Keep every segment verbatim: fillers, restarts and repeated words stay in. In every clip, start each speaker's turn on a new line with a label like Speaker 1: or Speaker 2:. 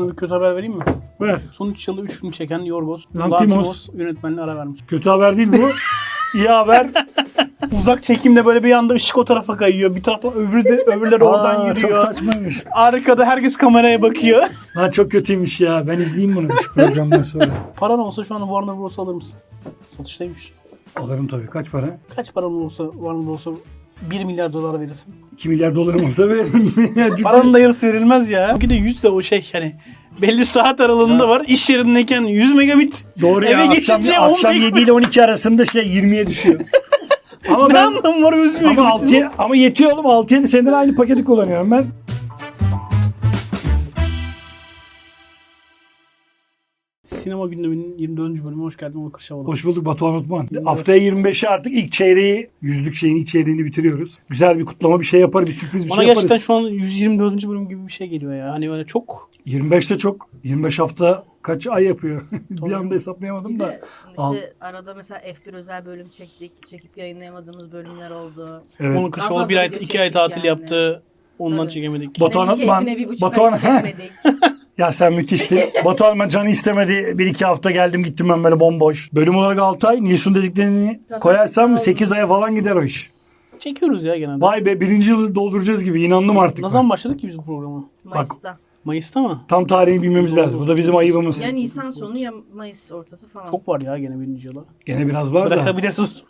Speaker 1: Sana bir kötü haber vereyim mi?
Speaker 2: Ver.
Speaker 1: Son üç yılda üç film çeken Yorgos
Speaker 2: Lanthimos.
Speaker 1: Lanthimos yönetmenliğine ara vermiş.
Speaker 2: Kötü haber değil bu. İyi haber.
Speaker 1: Uzak çekimde böyle bir anda ışık o tarafa kayıyor. Bir taraftan öbürü de, öbürleri oradan
Speaker 2: Aa,
Speaker 1: yürüyor.
Speaker 2: çok saçmaymış.
Speaker 1: Arkada herkes kameraya bakıyor.
Speaker 2: Lan çok kötüymüş ya. Ben izleyeyim bunu şu programdan sonra.
Speaker 1: Paran olsa şu an Warner Bros. Alır mısın? Satıştaymış.
Speaker 2: Alırım tabii. Kaç para?
Speaker 1: Kaç paran olsa Warner Bros'a bir milyar dolar verirsin.
Speaker 2: iki milyar dolarım olsa veririm.
Speaker 1: Paranın da yarısı verilmez ya. Bir de yüz de o şey hani belli saat aralığında var. İş yerindeyken yüz megabit.
Speaker 2: Doğru ya.
Speaker 1: Eve
Speaker 2: Akşam,
Speaker 1: geçince
Speaker 2: akşam
Speaker 1: on
Speaker 2: yedi ile on iki arasında şey yirmiye düşüyor. Ama
Speaker 1: Ne
Speaker 2: ben
Speaker 1: anlamı var yüz megabit?
Speaker 2: ama altıya ama yetiyor oğlum. altı yedi senedir aynı paketi kullanıyorum ben.
Speaker 1: Sinema gündeminin yirmi dördüncü bölümüne hoş geldin. Onur Kırşavoğlu.
Speaker 2: Hoş bulduk Batuhan Utman. Haftaya yirmi beşi artık ilk çeyreği, yüzlük şeyin ilk çeyreğini bitiriyoruz. Güzel bir kutlama bir şey yapar, bir sürpriz bir
Speaker 1: Bana
Speaker 2: şey
Speaker 1: gerçekten
Speaker 2: yaparız.
Speaker 1: şu an yüz yirmi dördüncü bölüm gibi bir şey geliyor ya. Hani öyle çok.
Speaker 2: yirmi beşte çok. yirmi beş hafta kaç ay yapıyor? bir
Speaker 1: Tabii.
Speaker 2: anda hesaplayamadım
Speaker 3: Bir
Speaker 2: da.
Speaker 3: de
Speaker 2: Al.
Speaker 3: işte arada mesela F bir özel bölüm çektik. Çekip yayınlayamadığımız bölümler oldu.
Speaker 2: Evet.
Speaker 1: Onur Kırşavoğlu
Speaker 3: fazla
Speaker 1: bir ay,
Speaker 3: video
Speaker 1: iki ay
Speaker 3: çektik
Speaker 1: tatil
Speaker 3: yani.
Speaker 1: yaptı. Ondan
Speaker 3: Tabii.
Speaker 1: çekemedik.
Speaker 2: Batuhan
Speaker 3: Senin
Speaker 2: Atman-
Speaker 3: keyfine bir buçuk
Speaker 2: Batuhan-
Speaker 3: ay çekmedik.
Speaker 2: Ya sen müthiştin. Batuhan ben canı istemedi. Bir iki hafta geldim gittim ben böyle bomboş. Bölüm olarak altı ay. Nilsun dediklerini
Speaker 3: Zaten
Speaker 2: koyarsam
Speaker 3: oldu.
Speaker 2: sekiz aya falan gider o iş.
Speaker 1: Çekiyoruz ya genelde.
Speaker 2: Vay be birinci yılı dolduracağız gibi. İnandım artık.
Speaker 1: Ne
Speaker 2: ben.
Speaker 1: zaman başladık ki biz bu programa?
Speaker 3: Mayıs'ta.
Speaker 1: Mayıs'ta mı?
Speaker 2: Tam tarihini bilmemiz lazım. Bu da bizim ayıbımız.
Speaker 3: Ya Nisan sonu ya Mayıs ortası falan.
Speaker 1: Çok var ya gene birinci yıla.
Speaker 2: Gene biraz var da.
Speaker 1: Bırakabilirsiniz.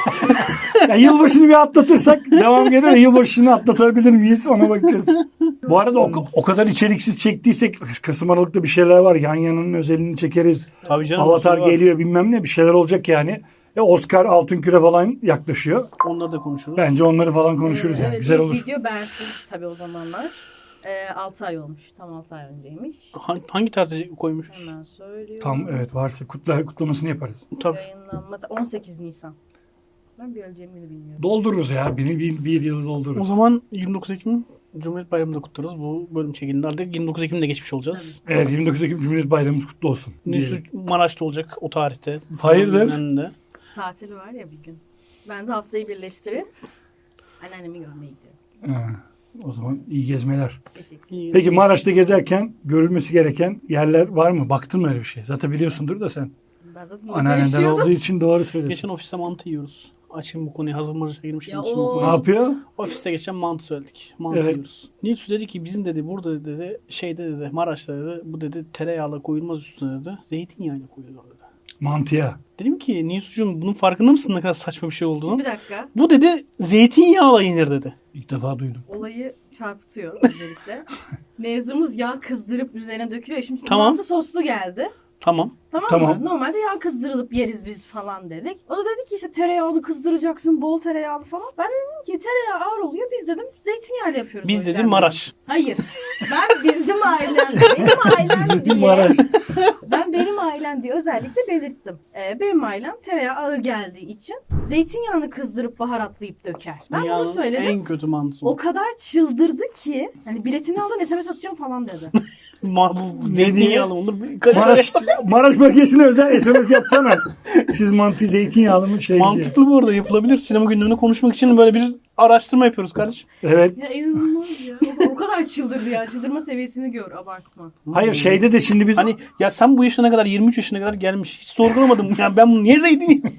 Speaker 2: Ya yılbaşını bir atlatırsak devam gelir. Yılbaşını atlatabilir miyiz ona bakacağız. Bu arada o, o kadar içeriksiz çektiysek Kasım Aralık'ta bir şeyler var. Yan yanının özelini çekeriz.
Speaker 1: Tabii canım.
Speaker 2: Avatar
Speaker 1: bir sürü var.
Speaker 2: geliyor bilmem ne bir şeyler olacak yani. E Oscar Altın Küre falan yaklaşıyor.
Speaker 1: Onları da konuşuruz.
Speaker 2: Bence onları falan konuşuruz
Speaker 3: Ee,
Speaker 2: yani.
Speaker 3: evet,
Speaker 2: Güzel
Speaker 3: ilk
Speaker 2: olur.
Speaker 3: video bensiz tabii o zamanlar. Ee, altı ay olmuş. Tam altı ay önceymiş.
Speaker 1: Ha- Hangi tarihte koymuşuz?
Speaker 3: Hemen söylüyorum.
Speaker 2: Tam evet varsa kutla, kutlamasını yaparız.
Speaker 1: Tabii.
Speaker 3: Yayınlanma on sekiz Nisan. Ben bir öleceğimi bile bilmiyorum.
Speaker 2: Doldururuz ya. Bir, bir, bir yılı doldururuz.
Speaker 1: O zaman yirmi dokuz Ekim Cumhuriyet Bayramı'nda kutlarız. Bu bölüm çekildi. Artık yirmi dokuz Ekim'de geçmiş olacağız.
Speaker 2: Evet yirmi dokuz Ekim Cumhuriyet Bayramımız kutlu olsun.
Speaker 1: Nüsü
Speaker 2: diyelim.
Speaker 1: Maraş'ta olacak o tarihte.
Speaker 2: Hayırdır?
Speaker 1: Önünde.
Speaker 3: Tatili var ya bir gün. Ben de haftayı birleştirip anneannemi görmeye gidiyorum.
Speaker 2: Ha, o zaman iyi gezmeler.
Speaker 3: Teşekkür
Speaker 1: İyi.
Speaker 2: Peki Maraş'ta gezerken görülmesi gereken yerler var mı? Baktın mı öyle bir şey? Zaten biliyorsundur da sen.
Speaker 3: Ben zaten
Speaker 2: Anneannenden
Speaker 3: yaşıyordum.
Speaker 2: olduğu için doğru söylüyorsun.
Speaker 1: Geçen ofiste mantı yiyoruz. Açayım bu konuyu. Hazır Maraş'a girmişken
Speaker 3: Ya
Speaker 1: açayım bu
Speaker 3: o-
Speaker 1: konuyu.
Speaker 2: Ne yapıyor?
Speaker 1: Ofiste geçen mantı söyledik. Mantı
Speaker 2: Evet.
Speaker 1: yiyoruz. Nilsu dedi ki bizim dedi burada dedi şeyde dedi Maraş'ta dedi bu dedi tereyağla koyulmaz üstüne dedi. Zeytinyağıyla koyuyorlar dedi.
Speaker 2: Mantıya.
Speaker 1: Dedim ki Nilsu'cum bunun farkında mısın ne kadar saçma bir şey olduğunu?
Speaker 3: Bir dakika.
Speaker 1: Bu dedi zeytinyağla yenir dedi.
Speaker 2: İlk defa duydum.
Speaker 3: Olayı çarpıtıyor öncelikle. Mevzumuz yağ kızdırıp üzerine dökülüyor. Şimdi
Speaker 1: Tamam.
Speaker 3: mantı soslu geldi.
Speaker 1: Tamam.
Speaker 3: Tamam,
Speaker 2: Tamam.
Speaker 3: mı? Normalde yağ kızdırılıp yeriz biz falan dedik. O da dedi ki işte tereyağını kızdıracaksın, bol tereyağlı falan. Ben de dedim ki tereyağı ağır oluyor. Biz dedim zeytinyağıyla yapıyoruz.
Speaker 1: Biz
Speaker 3: o yüzden
Speaker 1: dedim Maraş.
Speaker 3: Hayır. Ben bizim ailem, benim ailem diye.
Speaker 2: Maraş.
Speaker 3: Ben benim ailem diye özellikle belirttim. Ee, benim ailem tereyağı ağır geldiği için zeytinyağını kızdırıp baharatlayıp döker. Ben
Speaker 1: Dünyanın
Speaker 3: bunu söyledim.
Speaker 1: en kötü mantısı.
Speaker 3: O kadar çıldırdı ki hani biletini alın S M S atacağım falan dedi.
Speaker 1: Ma bu zeytinyağlı olur.
Speaker 2: Maraş, Maraş bölgesine özel S M S yapsana. Siz mantı zeytinyağlı mı şey diye.
Speaker 1: Mantıklı bu arada yapılabilir. Sinema gündemini konuşmak için böyle bir araştırma yapıyoruz kardeşim.
Speaker 2: Evet.
Speaker 3: Ya inanılmaz ya. O, o kadar çıldırdı ya. Çıldırma seviyesini gör, abartma.
Speaker 2: Hayır şeyde de şimdi biz
Speaker 1: Hani ya sen bu yaşına kadar yirmi üç yaşına kadar gelmiş. Hiç sorgulamadım. Yani ben bunu niye zeytinyağı?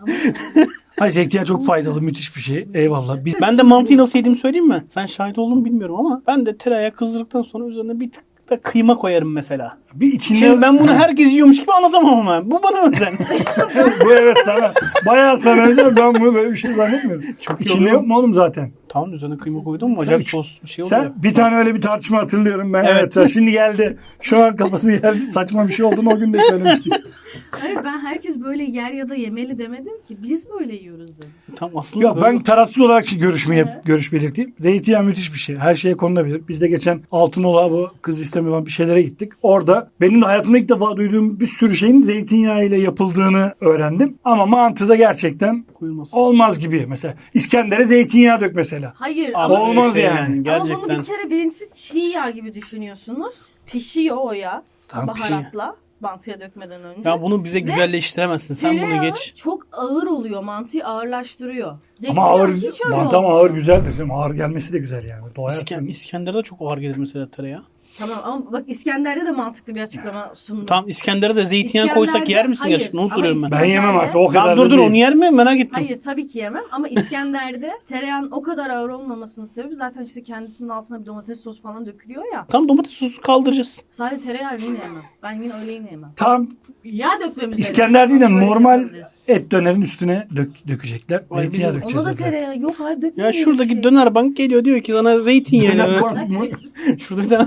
Speaker 2: Hayır zeytinyağı çok faydalı müthiş bir şey. Eyvallah. Biz
Speaker 1: Ben de mantıyı nasıl yediğimi söyleyeyim mi? Sen şahit oldun mu bilmiyorum ama ben de tereyağı kızdırdıktan sonra üzerine bir tık da kıyma koyarım mesela.
Speaker 2: bir içinde
Speaker 1: Şimdi ben bunu herkes yiyormuş gibi anlatamam ama. Bu bana özel.
Speaker 2: bu evet sana. Bayağı sana özel. Ben bunu böyle bir şey zannetmiyorum.
Speaker 1: Çok iyi
Speaker 2: İçinde
Speaker 1: oluyor.
Speaker 2: yok mu oğlum zaten?
Speaker 1: Tamam üzerine kıyma koydum mu?
Speaker 2: Sen-
Speaker 1: Acayip sos bir şey oluyor.
Speaker 2: Sen bir tane öyle bir tartışma hatırlıyorum ben.
Speaker 1: Evet.
Speaker 2: Evet. Şimdi geldi. Şu an kafası geldi. Saçma bir şey olduğunu o gün de söylemiştik.
Speaker 3: Hayır ben herkes böyle yer ya da yemeli demedim ki. Biz böyle yiyoruz dedim.
Speaker 1: Tamam aslında
Speaker 2: Ya
Speaker 1: böyle-
Speaker 2: ben tarafsız olarak şu görüşmeye,
Speaker 3: Hı.
Speaker 2: görüş belirteyim. Zeytinyağı müthiş bir şey. Her şeye konulabilir. Biz de geçen Altınoluk'a bu kız istemiyor falan bir şeylere gittik. Orada benim de hayatımda ilk defa duyduğum bir sürü şeyin zeytinyağı ile yapıldığını öğrendim. Ama mantığı da gerçekten
Speaker 1: koyulmaz.
Speaker 2: olmaz gibi. Mesela İskender'e zeytinyağı dök mesela.
Speaker 3: Hayır
Speaker 1: Abi
Speaker 3: ama,
Speaker 2: olmaz
Speaker 1: şey
Speaker 2: yani.
Speaker 3: ama bunu
Speaker 1: Gerçekten.
Speaker 3: bir kere birincisi çiğ yağ gibi düşünüyorsunuz. Pişiyor o yağ.
Speaker 2: Tamam,
Speaker 3: baharatla. Mantıya dökmeden önce.
Speaker 1: Ya bunu bize güzelleştiremezsin. Sen bunu
Speaker 3: Tereyağı
Speaker 1: geç.
Speaker 3: çok ağır oluyor. Mantıyı ağırlaştırıyor.
Speaker 2: Ama
Speaker 3: Zeytinyağı
Speaker 2: ağır,
Speaker 3: hiç öyle
Speaker 2: mantı ama
Speaker 3: olmuyor.
Speaker 2: ağır güzeldir. Canım. Ağır gelmesi de güzel yani.
Speaker 1: İsken,
Speaker 2: Doyarsın.
Speaker 1: İskender'de çok ağır gelir mesela tereyağı.
Speaker 3: Tamam ama bak İskender'de de mantıklı bir açıklama sundu.
Speaker 1: Tam İskender'e de zeytinyağı koysak yer misin
Speaker 3: Hayır,
Speaker 1: gerçekten? Onu
Speaker 3: ama
Speaker 1: soruyorum ben.
Speaker 2: Ben yemem artık o kadar
Speaker 1: Tamam,
Speaker 2: da
Speaker 1: dur dur
Speaker 2: değil.
Speaker 1: onu yer mi? Merak ettim.
Speaker 3: Hayır tabii ki yemem ama İskender'de tereyağın o kadar ağır olmamasının sebebi zaten işte kendisinin altına bir domates sosu falan dökülüyor ya.
Speaker 1: Tam domates sosu kaldıracağız.
Speaker 3: Sadece tereyağı yine yemem. Ben yine öyle yine yemem.
Speaker 2: Tam
Speaker 3: Yağ dökmemiz
Speaker 2: İskender değil de
Speaker 3: Böyle
Speaker 2: normal
Speaker 3: yapabiliriz.
Speaker 2: et dönerin üstüne dök, dökecekler.
Speaker 1: Ay,
Speaker 2: Zeytinyağı
Speaker 1: bizim-
Speaker 2: dökeceğiz.
Speaker 3: Ona da
Speaker 2: dediler.
Speaker 3: tereyağı yok hayır
Speaker 1: Ya
Speaker 3: dökmüyor.
Speaker 1: şuradaki
Speaker 3: şey.
Speaker 1: döner bank geliyor diyor ki sana
Speaker 2: Döner
Speaker 1: zeytinyağı.
Speaker 2: var mı?
Speaker 1: Şurada bir tane.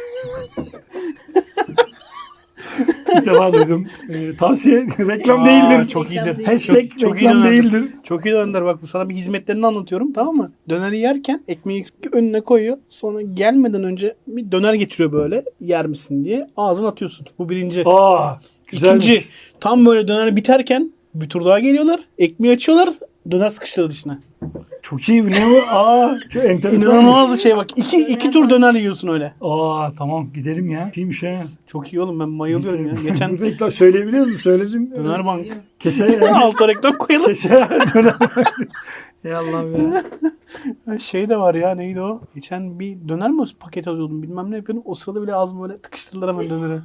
Speaker 2: İlk defa duydum. Ee, tavsiye reklam
Speaker 1: Aa,
Speaker 2: değildir.
Speaker 1: Çok iyidir.
Speaker 3: Reklam değil.
Speaker 2: Hashtag
Speaker 1: Çok- çok iyi
Speaker 2: reklam
Speaker 1: dönerdir.
Speaker 2: değildir.
Speaker 1: Çok iyi döner bak sana bir hizmetlerini anlatıyorum tamam mı? Döneri yerken ekmeği önüne koyuyor. Sonra gelmeden önce bir döner getiriyor böyle yer misin diye. Ağzına atıyorsun. Bu birinci.
Speaker 2: Aa, güzelmiş.
Speaker 1: İkinci tam böyle döner biterken bir tur daha geliyorlar. Ekmeği açıyorlar. Döner sıkıştırır içine.
Speaker 2: Çok iyi. Ne bu? Aa, çok enteresan.
Speaker 1: İnanılmaz bir şey bak. İki, iki tur döner yiyorsun öyle.
Speaker 2: Aa, tamam gidelim ya. İyiymiş ha.
Speaker 1: Çok iyi oğlum ben bayılıyorum ya. Geçen
Speaker 2: Bu reklam söyleyebiliyor musun? Söyledin.
Speaker 1: döner bank.
Speaker 2: Kese
Speaker 1: Alta reklam koyalım.
Speaker 2: Kese döner. Ey Allah'ım ya.
Speaker 1: Şey de var ya neydi o? Geçen bir döner mi paket alıyordum bilmem ne yapıyordum. O sırada bile ağzımı böyle tıkıştırdılar hemen döneri.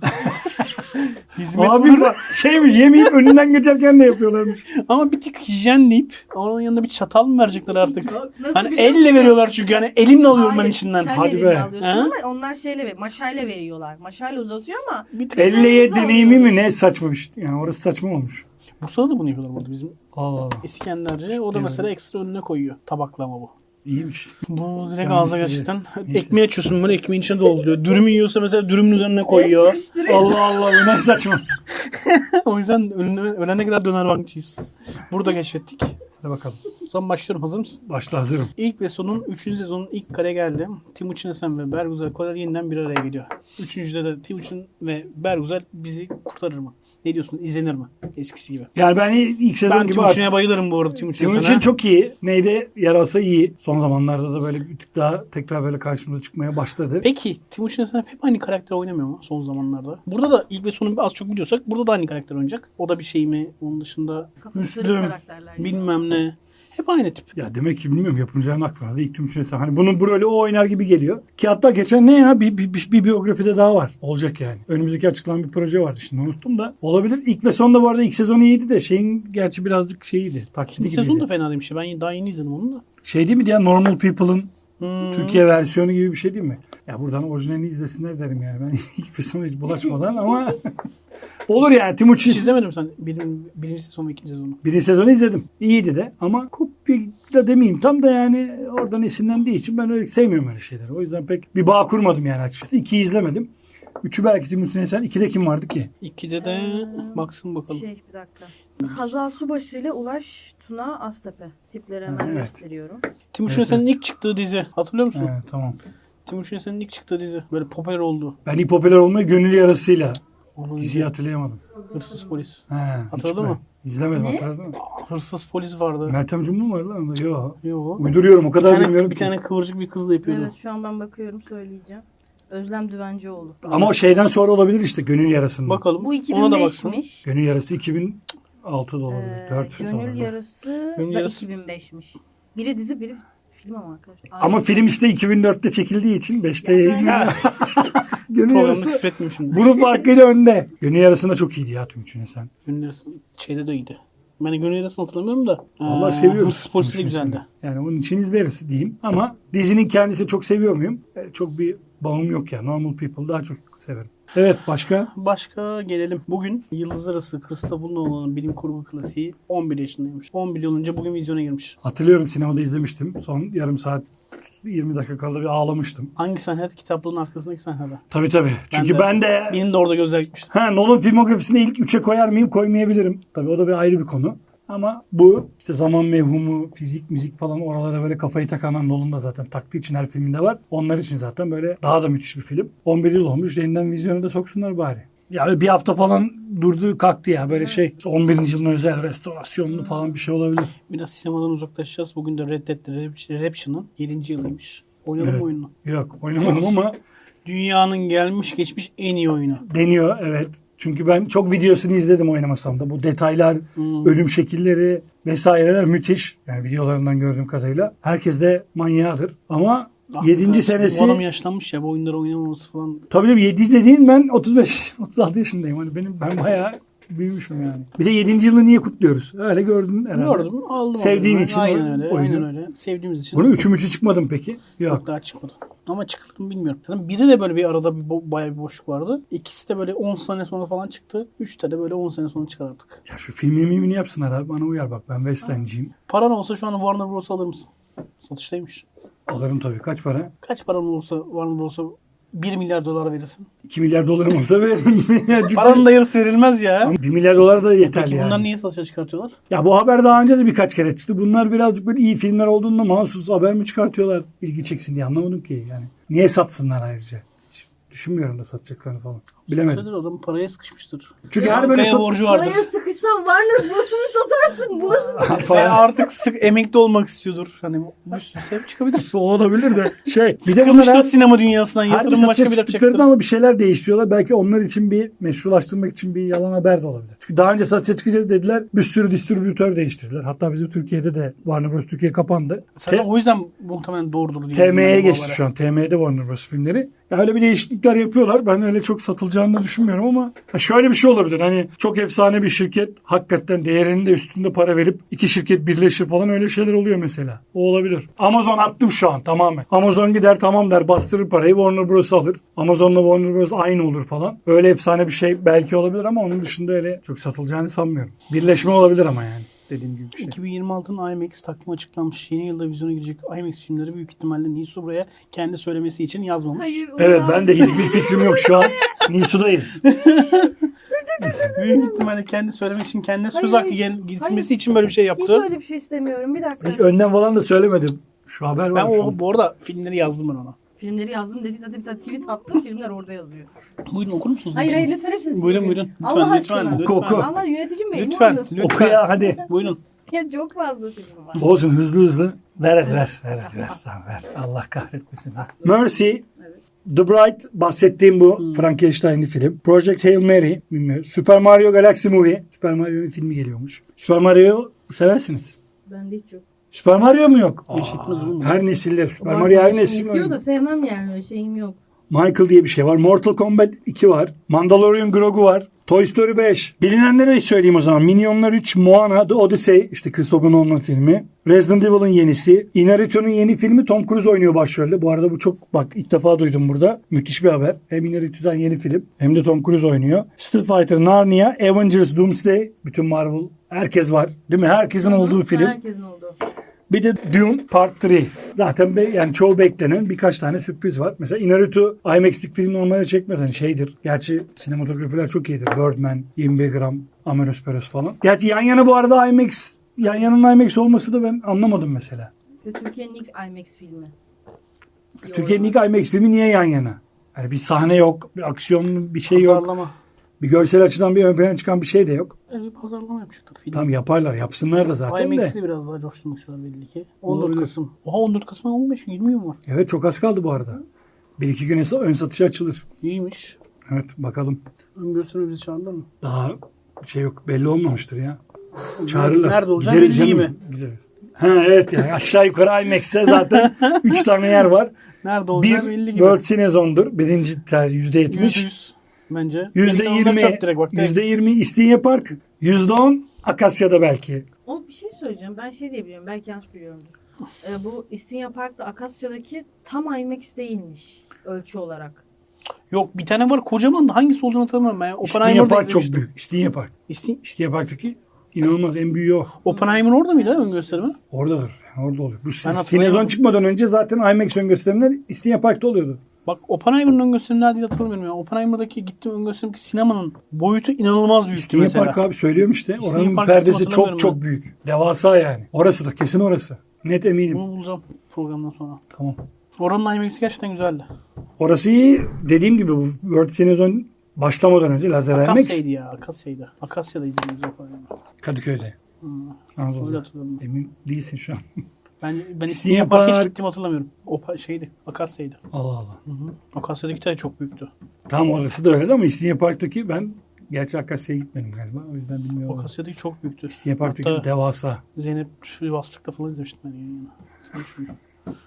Speaker 1: Hizmet
Speaker 2: Abi
Speaker 1: olur.
Speaker 2: bak, şeymiş yemeyip önünden geçerken de yapıyorlarmış.
Speaker 1: Ama bir tık hijyen deyip onun yanında bir çatal mı verecekler artık?
Speaker 3: Nasıl
Speaker 1: Hani
Speaker 3: biliyor
Speaker 1: elle
Speaker 3: musun?
Speaker 1: veriyorlar çünkü hani elimle alıyorum ben
Speaker 3: Hayır,
Speaker 1: içinden.
Speaker 3: Sen
Speaker 2: Hadi
Speaker 3: elinle
Speaker 2: be.
Speaker 3: alıyorsun
Speaker 1: Ha?
Speaker 3: ama onlar şeyle ver, maşayla veriyorlar. Maşayla uzatıyor ama
Speaker 1: Bir tık.
Speaker 2: Elle ye
Speaker 3: Üzerimize
Speaker 2: deneyimi mi
Speaker 3: alıyoruz.
Speaker 2: ne saçmamış. Yani orası saçma olmuş.
Speaker 1: Bursa'da da bunu yapıyorlar burada bizim
Speaker 2: Allah Allah.
Speaker 1: İskenderci. O da
Speaker 2: Yani.
Speaker 1: mesela ekstra önüne koyuyor. Tabaklama bu.
Speaker 2: İyiymiş.
Speaker 1: Bu direkt
Speaker 2: Canım
Speaker 1: ağza
Speaker 2: istedi.
Speaker 1: gerçekten.
Speaker 2: Neyse.
Speaker 1: Ekmeği açıyorsun böyle ekmeğin içine dolduruyor. Dürüm yiyorsa mesela dürümün üzerine koyuyor.
Speaker 3: Sıkıştırıyor.
Speaker 2: Allah Allah bu ne saçma.
Speaker 1: O yüzden ölene, ölene kadar döner bankçıyız. Burada keşfettik.
Speaker 2: Hadi bakalım.
Speaker 1: O zaman başlıyorum. Hazır mısın?
Speaker 2: Başla hazırım.
Speaker 1: İlk ve sonun üçüncü sezonun ilk kare geldi. Timuçin Esen ve Bergüzel Korel yeniden bir araya geliyor. Üçüncüde de Timuçin ve Bergüzel bizi kurtarır mı? Ne diyorsun? İzlenir mi? Eskisi gibi.
Speaker 2: Yani ben ilk sezon
Speaker 1: Ben
Speaker 2: gibi
Speaker 1: Timuçin'e bayılırım bu arada. Timuçin
Speaker 2: Timuçin
Speaker 1: Esen'e.
Speaker 2: çok iyi. Neydi? Yarasa iyi. Son zamanlarda da böyle bir tık daha tekrar böyle karşımıza çıkmaya başladı.
Speaker 1: Peki Timuçin Esen hep aynı karakter oynamıyor mu son zamanlarda? Burada da ilk ve sonu az çok biliyorsak burada da aynı karakter oynayacak. O da bir şey mi? Onun dışında
Speaker 3: Kafası kırık
Speaker 1: Müslüm,
Speaker 3: karakterler.
Speaker 1: bilmem ne. Hep aynı tip.
Speaker 2: Ya demek ki bilmiyorum yapımcıların aklına da ilk Timuçin Esen. Hani bunun böyle o oynar gibi geliyor. Ki hatta geçen ne ya bir, bir, bir, bir biyografide daha var. Olacak yani. Önümüzdeki açıklanan bir proje vardı şimdi unuttum da. Olabilir. İlk ve sonda bu arada ilk sezonu iyiydi de şeyin gerçi birazcık şeyiydi. Taklidi
Speaker 1: İkinci
Speaker 2: gibiydi.
Speaker 1: sezon da fena değilmiş. Ben daha yeni izledim onu da.
Speaker 2: Şey değil mi ya Normal People'ın
Speaker 1: Hmm.
Speaker 2: Türkiye versiyonu gibi bir şey değil mi? Ya buradan orijinalini izlesinler derim yani. Ben ilk ve sona hiç bulaşmadan ama olur yani Timuçin.
Speaker 1: Hiç izlemedim sen birin, birinci sezon ve ikinci sezonu.
Speaker 2: Birinci sezonu izledim. İyiydi de ama kopya da demeyeyim tam da yani oradan esinlendiği için ben öyle sevmiyorum öyle şeyleri. O yüzden pek bir bağ kurmadım yani açıkçası. İkiyi izlemedim. Üçü belki Timuçin Esen. İkide kim vardı ki?
Speaker 1: İkide de
Speaker 3: Ee,
Speaker 1: baksın bakalım.
Speaker 3: Şey bir dakika. Hazal Subaşı ile Ulaş Tuna Aztepe. Tipleri hemen
Speaker 2: Evet.
Speaker 3: gösteriyorum.
Speaker 1: Timuçin
Speaker 2: Evet,
Speaker 1: Esen'in ilk çıktığı dizi. Hatırlıyor musun?
Speaker 2: He, tamam.
Speaker 1: Timuçin Esen'in ilk çıktığı dizi. Böyle popüler oldu.
Speaker 2: Ben ilk popüler olmayı gönül yarasıyla
Speaker 1: Onun
Speaker 2: diziyi hatırlayamadım.
Speaker 1: Hırsız polis.
Speaker 2: He,
Speaker 1: Hatırladın
Speaker 2: hiç
Speaker 1: mı?
Speaker 2: ben İzlemedim
Speaker 3: Ne?
Speaker 2: hatırladın mı?
Speaker 1: Hırsız polis vardı.
Speaker 2: Meltem Cumhur mu var lan? onda? Yok.
Speaker 1: Yo.
Speaker 2: Uyduruyorum o
Speaker 1: Bir
Speaker 2: kadar
Speaker 1: tane,
Speaker 2: bilmiyorum
Speaker 1: bir
Speaker 2: ki.
Speaker 1: tane kıvırcık bir kızla yapıyordu.
Speaker 3: Evet şu an ben bakıyorum söyleyeceğim. Özlem Düvencioğlu.
Speaker 2: Ama o şeyden sonra olabilir işte gönül yarasında.
Speaker 1: Bakalım.
Speaker 3: Bu
Speaker 1: Ona da baksın.
Speaker 3: iki bin beşmiş.
Speaker 2: Gönül yarası iki bin altı da olabilir.
Speaker 3: Ee,
Speaker 2: dört da
Speaker 3: Gönül
Speaker 2: olabilir.
Speaker 3: Yarası
Speaker 1: Gönül
Speaker 3: da
Speaker 1: Yarası-
Speaker 3: iki bin beşmiş. Biri dizi biri film ama arkadaşlar.
Speaker 2: Ama film işte iki bin dörtte çekildiği için beşte
Speaker 3: Ya sen-
Speaker 2: yayınlanıyor. Gönül
Speaker 1: Programda
Speaker 2: yarası
Speaker 1: küfür etmeyeyim şimdi.
Speaker 2: bunun farkıyla önde. Gönül yarasında çok iyiydi ya Timuçin Esen.
Speaker 1: Gönül Yarası şeyde de iyiydi. Ben Gönül Yarası'nı hatırlamıyorum da.
Speaker 2: Vallahi
Speaker 1: Ee,
Speaker 2: seviyorum.
Speaker 1: Hırsız polisi de
Speaker 2: Timuçin
Speaker 1: güzeldi.
Speaker 2: Esen'i. Yani onun için izleriz diyeyim. Ama dizinin kendisini çok seviyor muyum? E, çok bir bağım yok ya. Normal People daha çok severim. Evet başka?
Speaker 1: Başka gelelim. Bugün Yıldızlar Arası Christopher Nolan'ın bilim kurgu klasiği on bir yaşındaymış. on bir yıl önce bugün vizyona girmiş.
Speaker 2: Hatırlıyorum sinemada izlemiştim. Son yarım saat yirmi dakika kaldı bir ağlamıştım.
Speaker 1: Hangi sahnede? Kitaplığın arkasındaki sahnede.
Speaker 2: Tabii tabii. Çünkü
Speaker 1: de-
Speaker 2: ben de
Speaker 1: Benim de orada gözler gitmişti.
Speaker 2: ha, Nolan filmografisini ilk üçe koyar mıyım koymayabilirim. Tabii o da bir ayrı bir konu. Ama bu işte zaman mevhumu, fizik, müzik falan oralara böyle kafayı takan Nolan da zaten taktığı için her filminde var. Onlar için zaten böyle daha da müthiş bir film. on bir yıl olmuş. Yeniden vizyona da soksunlar bari. Ya bir hafta falan durdu kalktı ya böyle şey. on birinci yılına özel restorasyonlu falan bir şey olabilir.
Speaker 1: Biraz sinemadan uzaklaşacağız. Bugün de Red Dead Redemption'ın yedinci yılıymış. Oynadın
Speaker 2: Evet.
Speaker 1: mı oyununu?
Speaker 2: Yok oynamadım ama
Speaker 1: Dünyanın gelmiş geçmiş en iyi oyunu.
Speaker 2: deniyor evet. Çünkü ben çok videosunu izledim oynamasam da. Bu detaylar,
Speaker 1: Hmm.
Speaker 2: ölüm şekilleri vesaireler müthiş. Yani videolarından gördüğüm kadarıyla. Herkes de manyağıdır. Ama
Speaker 1: Ah,
Speaker 2: yedinci
Speaker 1: bu
Speaker 2: senesi.
Speaker 1: adam yaşlanmış ya bu oyunları oynamaması falan.
Speaker 2: Tabii tabii yedi dediğin ben otuz beş otuz altı yaşındayım. Hani benim ben bayağı büyümüşüm yani. Bir de yedinci yılı niye kutluyoruz? Öyle gördün herhalde.
Speaker 1: Gördüm aldım.
Speaker 2: Sevdiğin
Speaker 1: aldım.
Speaker 2: için
Speaker 1: Aynen
Speaker 2: o-
Speaker 1: öyle.
Speaker 2: oyunu.
Speaker 1: Aynen öyle. Sevdiğimiz için.
Speaker 2: Bunun üçü müçü çıkmadı mı peki?
Speaker 1: Yok
Speaker 2: Yok.
Speaker 1: daha çıkmadı. Ama çıktı mı bilmiyorum. Zaten biri de böyle bir arada bir bo- bayağı bir boşluk vardı. İkisi de böyle on sene sonra falan çıktı. Üçte de böyle on sene sonra çıkar artık.
Speaker 2: Ya şu filmi mimini yapsınlar abi. Bana uyar bak. Ben West End'ciyim.
Speaker 1: Paran olsa şu an Warner Bros. Alır mısın? Satıştaymış.
Speaker 2: Alırım tabii. Kaç para?
Speaker 1: Kaç paran olursa Warner Bros'a bir milyar dolar verirsin.
Speaker 2: iki milyar dolarım olsa veririm.
Speaker 1: Paranın da yarısı verilmez ya.
Speaker 2: bir milyar dolar da yeter
Speaker 1: Peki
Speaker 2: yani.
Speaker 1: bunlar niye satışa çıkartıyorlar?
Speaker 2: Ya bu haber daha önce de birkaç kere çıktı. Bunlar birazcık böyle iyi filmler olduğunda mahsus haber mi çıkartıyorlar ilgi çeksin diye anlamadım ki yani. Niye satsınlar ayrıca? Hiç düşünmüyorum da satacaklarını falan. Bilemedim.
Speaker 1: Satışadır, adam paraya sıkışmıştır.
Speaker 2: Çünkü
Speaker 3: Ya,
Speaker 2: her böyle
Speaker 1: Bankaya
Speaker 2: sat...
Speaker 1: borcu vardır.
Speaker 3: Paraya sıkışsan Warner Bros'u mu satarsın? Bu nasıl bir
Speaker 1: Sen artık sık emekli olmak istiyordur. Hani bir sürü sebep çıkabilir.
Speaker 2: O olabilir de şey. Bir de bunlar
Speaker 1: Sıkılmıştır
Speaker 2: her,
Speaker 1: sinema dünyasından.
Speaker 2: her bir
Speaker 1: Yatırım
Speaker 2: satışa
Speaker 1: başka bir yapacaktır.
Speaker 2: çıktıklarında ama bir şeyler değiştiriyorlar. Belki onlar için bir meşrulaştırmak için bir yalan haber de olabilir. Çünkü daha önce satışa çıkacağız dediler. Bir sürü distribütör değiştirdiler. Hatta bizim Türkiye'de de Warner Bros. Türkiye kapandı.
Speaker 1: Sen
Speaker 2: Te-
Speaker 1: o yüzden muhtemelen doğrudur diye.
Speaker 2: T M'ye
Speaker 1: düşünüyorum bu
Speaker 2: geçti
Speaker 1: habere.
Speaker 2: şu an. T M'de Warner Bros. Filmleri. Ya öyle bir değişiklikler yapıyorlar. Ben öyle çok satılacağını da düşünmüyorum ama ha şöyle bir şey olabilir. Hani çok efsane bir şirket hakikaten değerinin de üstünde para verip iki şirket birleşir falan öyle şeyler oluyor mesela. O olabilir. Amazon attım şu an tamamen. Amazon gider tamam der bastırır parayı Warner Bros. Alır. Amazon'la Warner Bros. Aynı olur falan. Öyle efsane bir şey belki olabilir ama onun dışında öyle çok satılacağını sanmıyorum. Birleşme olabilir ama yani. Dediğim gibi bir şey.
Speaker 1: iki bin yirmi altının IMAX takvimi açıklanmış. Yeni yılda vizyona girecek IMAX filmleri büyük ihtimalle Nisu buraya kendi söylemesi için yazmamış.
Speaker 3: Hayır, onu
Speaker 2: Evet
Speaker 3: da-
Speaker 2: ben de hiçbir fikrim yok şu an. Nisu'dayız.
Speaker 1: Büyük ihtimalle kendi söylemek için kendine söz
Speaker 3: Hayır,
Speaker 1: hakkı
Speaker 3: hayır.
Speaker 1: gel- getirmesi
Speaker 3: Hayır.
Speaker 1: için böyle bir şey
Speaker 3: Hiç
Speaker 1: yaptı.
Speaker 3: öyle bir şey istemiyorum. Bir dakika.
Speaker 2: Hiç önden falan da söylemedim. Şu haber
Speaker 1: Ben
Speaker 2: var şu
Speaker 1: o
Speaker 2: an.
Speaker 1: bu arada filmleri yazdım ben ona.
Speaker 3: Filmleri yazdım dedi zaten bir tane tweet attım. Filmler orada yazıyor.
Speaker 1: Buyurun okur musunuz?
Speaker 3: Hayır hayır
Speaker 1: Lütfen.
Speaker 3: lütfen hepsini
Speaker 1: Buyurun
Speaker 3: silin.
Speaker 1: buyurun. Lütfen
Speaker 3: Allah
Speaker 1: lütfen.
Speaker 3: aşkına.
Speaker 1: Lütfen.
Speaker 2: Oku, oku.
Speaker 3: Allah yöneticim bey
Speaker 1: Lütfen.
Speaker 3: ne olur.
Speaker 1: Lütfen.
Speaker 2: Oku ya hadi.
Speaker 1: Buyurun.
Speaker 3: Ya çok fazla film var.
Speaker 2: Olsun hızlı hızlı. Ver ver ver ver ver tamam ver. Allah kahretmesin. Ha. Mercy. The Bright bahsettiğim bu
Speaker 1: Hmm.
Speaker 2: Frankenstein'li film. Project Hail Mary bilmiyorum. Super Mario Galaxy Movie. Super Mario'nun filmi geliyormuş. Super Mario seversiniz.
Speaker 3: Bende hiç yok.
Speaker 2: Super Mario mu yok?
Speaker 1: Hiç etmez oğlum.
Speaker 2: Her nesilde Super
Speaker 3: Var,
Speaker 2: Mario her
Speaker 3: yaşım
Speaker 2: nesil.
Speaker 3: yetiyor da sevmem yani öyle şeyim yok.
Speaker 2: Michael diye bir şey var. Mortal Kombat iki var. Mandalorian Grogu var. Toy Story beş. Bilinenleri söyleyeyim o zaman. Minyonlar üç, Moana, The Odyssey. İşte Christopher Nolan'ın filmi. Resident Evil'ın yenisi. Inarritu'nun yeni filmi Tom Cruise oynuyor başrolde. Bu arada bu çok bak ilk defa duydum burada. Müthiş bir haber. Hem Inarritu'dan yeni film hem de Tom Cruise oynuyor. Street Fighter, Narnia, Avengers, Doomsday. Bütün Marvel. Herkes var. Değil mi? Herkesin olduğu film.
Speaker 3: Herkesin olduğu.
Speaker 2: Bir de Dune Part üç. Zaten be, yani çoğu beklenen birkaç tane sürpriz var. Mesela Inarritu IMAX'lik film normalde çekmez. Hani şeydir. Gerçi sinematografiler çok iyidir. Birdman, yirmi bir gram, Ameros falan. Gerçi yan yana bu arada IMAX, yan yanın IMAX olması da ben anlamadım mesela.
Speaker 3: İşte Türkiye'nin ilk IMAX filmi.
Speaker 2: Türkiye'nin ilk IMAX filmi niye yan yana? Yani bir sahne yok, bir aksiyon bir şey yok.
Speaker 1: Pazarlama.
Speaker 2: Bir görsel açıdan bir ön plana çıkan bir şey de yok.
Speaker 1: Evet, bir pazarlama yapacaklar film.
Speaker 2: Tam yaparlar, yapsınlar da zaten de.
Speaker 1: IMAX'i de biraz daha coşturmak istiyorlar belli ki. on dört
Speaker 2: Olabilir.
Speaker 1: Kasım. Oha on dört Kasım'a on beş yirmi gün var.
Speaker 2: Evet çok az kaldı bu arada. Bir iki güne ön satışa açılır.
Speaker 1: İyiymiş.
Speaker 2: Evet bakalım.
Speaker 1: Ön gösterime bizi çağırdılar mı?
Speaker 2: Daha şey yok belli olmamıştır ya. Çağırırlar.
Speaker 1: Nerede olacak
Speaker 2: Gideriz
Speaker 1: belli
Speaker 2: canım,
Speaker 1: gibi.
Speaker 2: gideriz. Ha evet yani aşağı yukarı IMAX'e zaten üç tane yer var.
Speaker 1: Nerede
Speaker 2: Bir
Speaker 1: olacak belli gibi.
Speaker 2: World Cinezone'dur. Birinci tercih yüzde
Speaker 1: yüzde
Speaker 2: yetmiş.
Speaker 1: yüz bence.
Speaker 2: Yüzde
Speaker 1: Belki de onları
Speaker 2: yirmi.
Speaker 1: çarp direkt bak, direkt.
Speaker 2: Yüzde yirmi İstinye Park. Yüzde on Akasya'da belki.
Speaker 3: O bir şey söyleyeceğim. Ben şey diye biliyorum. Belki yanlış biliyorumdur. Ee, bu İstinye Park'ta Akasya'daki tam IMAX değilmiş. Ölçü olarak.
Speaker 1: Yok bir tane var kocaman da hangisi olduğunu hatırlamıyorum ben.
Speaker 2: İstinye
Speaker 1: Oppenheimer'da
Speaker 2: Park çok
Speaker 1: izlemiştim.
Speaker 2: büyük. İstinye Park.
Speaker 1: İstin...
Speaker 2: İstinye Park'taki inanılmaz en büyüğü o.
Speaker 1: Oppenheimer orada mıydı ön gösterimi?
Speaker 2: Oradadır. Yani orada oluyor. Bu
Speaker 1: hatırlayamadım.
Speaker 2: Cinezone çıkmadan önce zaten IMAX ön gösterimler İstinye Park'ta oluyordu.
Speaker 1: Bak Oppenheimer'ın ön gösterimi nerede hatırlamıyorum ya. Oppenheimer'daki gittiğim ön gösterimdeki sinemanın boyutu inanılmaz büyüktü
Speaker 2: İstinye
Speaker 1: mesela.
Speaker 2: Park abi söylüyorum işte.
Speaker 1: İstinye
Speaker 2: Oranın
Speaker 1: Park
Speaker 2: perdesi
Speaker 1: hatırlamıyorum
Speaker 2: çok
Speaker 1: ben.
Speaker 2: çok büyük. Devasa yani. Orası da kesin orası. Net eminim.
Speaker 1: Bunu bulacağım programdan sonra.
Speaker 2: Tamam.
Speaker 1: Oranın IMAX'i gerçekten güzeldi.
Speaker 2: Orası iyi. Dediğim gibi bu World Cinezone başlamadan önce lazer IMAX
Speaker 1: Akasya'ydı ya. Akasya'ydı. Akasya'da izlediğimiz Oppenheimer.
Speaker 2: Kadıköy'de.
Speaker 1: Hmm. Öyle
Speaker 2: Anadolu'da.
Speaker 1: hatırladım. ben.
Speaker 2: Emin değilsin şu an.
Speaker 1: Ben, ben
Speaker 2: İstinye
Speaker 1: İstinye Park'a hiç
Speaker 2: Park.
Speaker 1: gittiğimi hatırlamıyorum. O pa- şeydi. Akasya'ydı.
Speaker 2: Allah Allah.
Speaker 1: Hı hı. Akasya'daki de çok büyüktü.
Speaker 2: Tam orası da öyle ama İstinye Park'taki ben gerçi Akasya'ya gitmedim galiba. O yüzden bilmiyorum.
Speaker 1: Akasya'daki çok büyüktü.
Speaker 2: İstinye Park'taki
Speaker 1: Hatta
Speaker 2: devasa.
Speaker 1: Zeynep Bastık'ta falan izlemiştim ben yayını. Sen hiç bilmiyorum.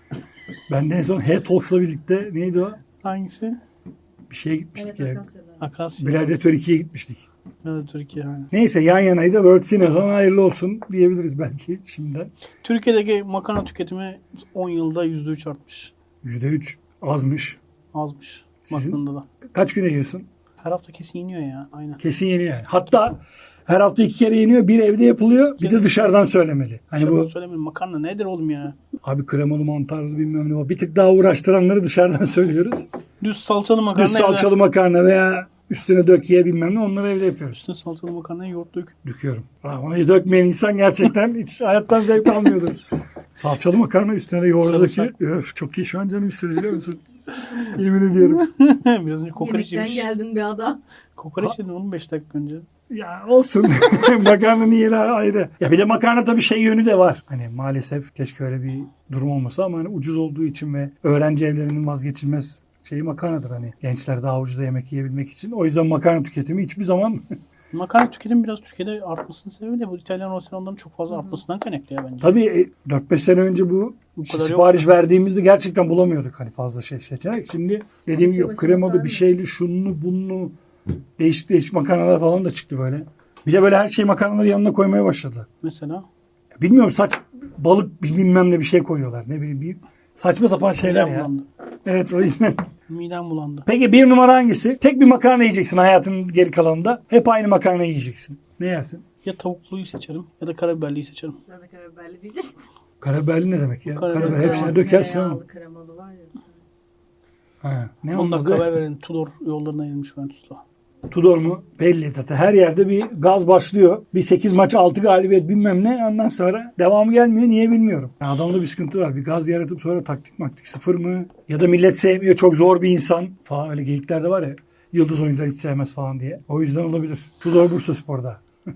Speaker 2: Ben de en son Head Talks'la birlikte neydi o?
Speaker 1: Hangisi?
Speaker 2: Bir şeye gitmiştik
Speaker 3: Evet,
Speaker 2: ya.
Speaker 3: Akasya'da.
Speaker 1: Akasya.
Speaker 2: Gladiator ikiye gitmiştik.
Speaker 1: Evet, Türkiye yani.
Speaker 2: Neyse yan yanaydı. World Cine'den hayırlı olsun diyebiliriz belki şimdiden.
Speaker 1: Türkiye'deki makarna tüketimi on yılda yüzde üç artmış.
Speaker 2: yüzde üç azmış.
Speaker 1: Azmış.
Speaker 2: Sizin-
Speaker 1: Baktığında da.
Speaker 2: Kaç güne yiyorsun?
Speaker 1: Her hafta kesin yeniyor ya. Aynen.
Speaker 2: Kesin yeniyor yani. Hatta her hafta iki kere yeniyor. Bir evde yapılıyor. Bir de dışarıdan söylemeli. Hani
Speaker 1: Dışarıdan
Speaker 2: bu
Speaker 1: söylemeyin, makarna nedir oğlum ya?
Speaker 2: abi kremalı mantarlı bilmem ne var. Bir tık daha uğraştıranları dışarıdan söylüyoruz.
Speaker 1: Düz salçalı makarna
Speaker 2: Düz salçalı makarna veya üstüne dök ye bilmem ne onları evde yapıyoruz.
Speaker 1: Üstüne salçalı makarnayı yoğurt dök.
Speaker 2: Döküyorum. Ama dökmeyen insan gerçekten hiç hayattan zevk almıyordur. Salçalı makarna üstüne de yoğurdu
Speaker 1: Sarımsak.
Speaker 2: döküyor. Öf, çok iyi şu an canım istedi biliyor musun? Yemin ediyorum.
Speaker 1: Biraz önce kokoreç
Speaker 3: Yemekten
Speaker 1: yemiş.
Speaker 3: geldin bir adam.
Speaker 1: Kokoreç yedin oğlum beş dakika önce.
Speaker 2: Ya olsun. Makarnanın yeri ayrı. Ya bir de makarna tabii şey yönü de var. Hani maalesef keşke öyle bir durum olmasa ama hani ucuz olduğu için ve öğrenci evlerinin vazgeçilmez şeyi makarnadır hani. Gençler daha ucuza yemek yiyebilmek için. O yüzden makarna tüketimi hiçbir zaman
Speaker 1: Makarna tüketimi biraz Türkiye'de artmasının sebebi de bu İtalyan restoranların çok fazla artmasından kaynaklı ya bence.
Speaker 2: tabii e, dört beş sene önce bu
Speaker 1: Bu kadar
Speaker 2: sipariş
Speaker 1: yok.
Speaker 2: verdiğimizde gerçekten bulamıyorduk hani fazla şey seçenek. Şimdi dediğim gibi
Speaker 3: Başka
Speaker 2: kremalı
Speaker 3: başka
Speaker 2: bir şeyli şunlu bunlu değişik değişik makarnalar falan da çıktı böyle. Bir de böyle her şeyi makarnaları yanına koymaya başladı.
Speaker 1: Mesela
Speaker 2: Bilmiyorum saç balık bilmem ne bir şey koyuyorlar. Ne bileyim bir saçma sapan şeyler
Speaker 1: midem
Speaker 2: ya.
Speaker 1: bulandı.
Speaker 2: Evet o yüzden.
Speaker 1: Midem bulandı.
Speaker 2: Peki bir numara hangisi? Tek bir makarna yiyeceksin hayatının geri kalanında. Hep aynı makarna yiyeceksin. Ne yersin?
Speaker 1: Ya tavukluyu seçerim ya da karabiberliyi seçerim.
Speaker 3: Ben de karabiberli diyecektim.
Speaker 2: Karabiberli ne demek ya?
Speaker 1: Karabiber,
Speaker 2: Karabiber hepsine
Speaker 1: kremalı,
Speaker 2: dökersin ama.
Speaker 3: Tereyağlı kremalı var ya.
Speaker 2: Ha, ne
Speaker 1: on dakika
Speaker 2: oldu?
Speaker 1: haber verin. Tudor yollarına inmiş Juventus'la.
Speaker 2: Tudor mu? Belli zaten. Her yerde bir gaz başlıyor. Bir sekiz maç altı galibiyet bilmem ne. Ondan sonra devamı gelmiyor. Niye bilmiyorum. Yani adamda bir sıkıntı var. Bir gaz yaratıp sonra taktik maktik sıfır mı? Ya da millet sevmiyor. Çok zor bir insan falan. Öyle geyikler de var ya. Yıldız oyuncular hiç sevmez falan diye. O yüzden olabilir. Tudor Bursaspor'da.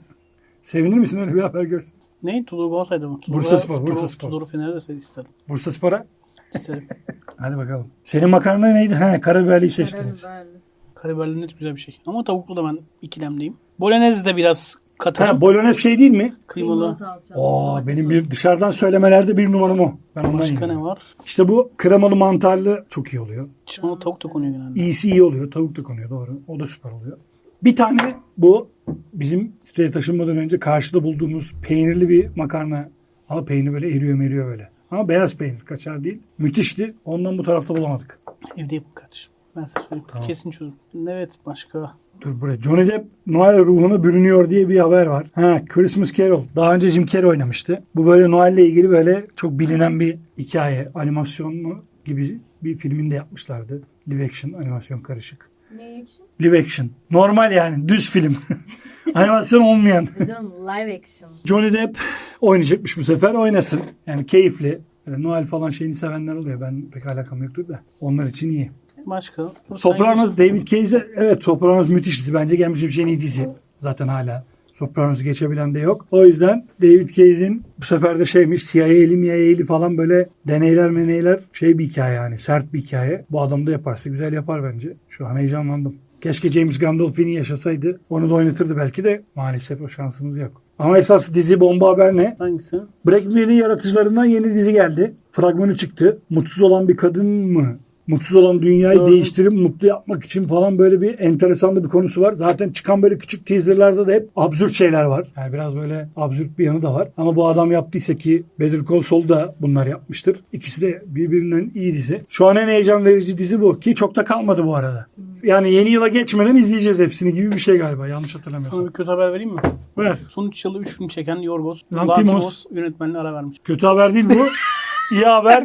Speaker 2: Sevinir misin öyle bir haber görsen?
Speaker 1: Ne? Tudor Galatasaray'da mı? Tudor'a-
Speaker 2: Bursaspor,
Speaker 1: Tudor-
Speaker 2: Bursaspor.
Speaker 1: Tudor'u Fener'de se- isterim.
Speaker 2: Bursaspor'a?
Speaker 1: İsterim.
Speaker 2: Hadi bakalım. Senin makarna neydi? He, karabiberliyi seçtiniz.
Speaker 3: Karabiberli.
Speaker 1: Karabiberli net güzel bir şey. Ama tavuklu da ben ikilemdeyim. Bolognese de biraz katı.
Speaker 2: Ha, bolognese şey değil mi?
Speaker 1: Kıymalı.
Speaker 3: Kıymalı salça.
Speaker 2: Oo,
Speaker 3: Domates
Speaker 2: benim
Speaker 3: sosu.
Speaker 2: bir dışarıdan söylemelerde bir numaram o. Ben ondan
Speaker 1: Başka
Speaker 2: yiyorum.
Speaker 1: ne var?
Speaker 2: İşte bu kremalı mantarlı çok iyi oluyor.
Speaker 1: Çiğ tavuk da konuyor genelde.
Speaker 2: İyisi iyi oluyor. Tavuk da konuyor doğru. O da süper oluyor. Bir tane bu bizim siteye taşınmadan önce karşıda bulduğumuz peynirli bir makarna. Ama peynir böyle eriyor meriyor böyle. Ama beyaz peynir kaçar değil. Müthişti. Ondan bu tarafta bulamadık.
Speaker 1: Evde yapın kardeşim. Ben size söyleyeyim.
Speaker 2: Tamam.
Speaker 1: Kesin çözüm. Evet başka.
Speaker 2: Dur buraya. Johnny Depp Noel ruhuna bürünüyor diye bir haber var. Ha, Christmas Carol. Daha önce Jim Carrey oynamıştı. Bu böyle Noel'le ilgili böyle çok bilinen bir hikaye. Animasyonlu gibi bir filminde yapmışlardı. Live action animasyon karışık.
Speaker 3: Ne action?
Speaker 2: Live action. Normal yani. Düz film. Animasyon olmayan.
Speaker 3: Canım live action.
Speaker 2: Johnny Depp oynayacakmış bu sefer. Oynasın. Yani keyifli. Böyle Noel falan şeyini sevenler oluyor. Ben pek alakam yoktur da. Onlar için iyi.
Speaker 1: Başka. Dur,
Speaker 2: Sopranos,
Speaker 1: sen-
Speaker 2: David Cage'e evet Sopranos müthiş dizi. Bence gelmiş bir en iyi dizi. Zaten hala Sopranos'u geçebilen de yok. O yüzden David Cage'in bu sefer de şeymiş C I A'li M I A'li falan böyle deneyler meneyler şey bir hikaye yani. Sert bir hikaye. Bu adam da yaparsa güzel yapar bence. Şu an heyecanlandım. Keşke James Gandolfini yaşasaydı. Onu da oynatırdı belki de. Maalesef o şansımız yok. Ama esas dizi bomba haber ne?
Speaker 1: Hangisi?
Speaker 2: Breaking Bad'in yaratıcılarından yeni dizi geldi. Fragmanı çıktı. Mutsuz olan bir kadın mı? Mutsuz olan dünyayı
Speaker 1: Doğru.
Speaker 2: değiştirip mutlu yapmak için falan böyle bir enteresan da bir konusu var. Zaten çıkan böyle küçük teaserlarda da hep absürt şeyler var. Yani biraz böyle absürt bir yanı da var. Ama bu adam yaptıysa ki Better Call Saul da bunlar yapmıştır. İkisi de birbirinden iyi dizi. Şu an en heyecan verici dizi bu ki çok da kalmadı bu arada. Yani yeni yıla geçmeden izleyeceğiz hepsini gibi bir şey galiba. Yanlış
Speaker 1: Sana
Speaker 2: hatırlamıyorsam.
Speaker 1: bir kötü haber vereyim mi?
Speaker 2: Ver.
Speaker 1: Son üç yılı üç film çeken Yorgos
Speaker 2: Lanthimos.
Speaker 1: Lanthimos yönetmenliğine ara vermiş.
Speaker 2: Kötü haber değil bu. İyi haber.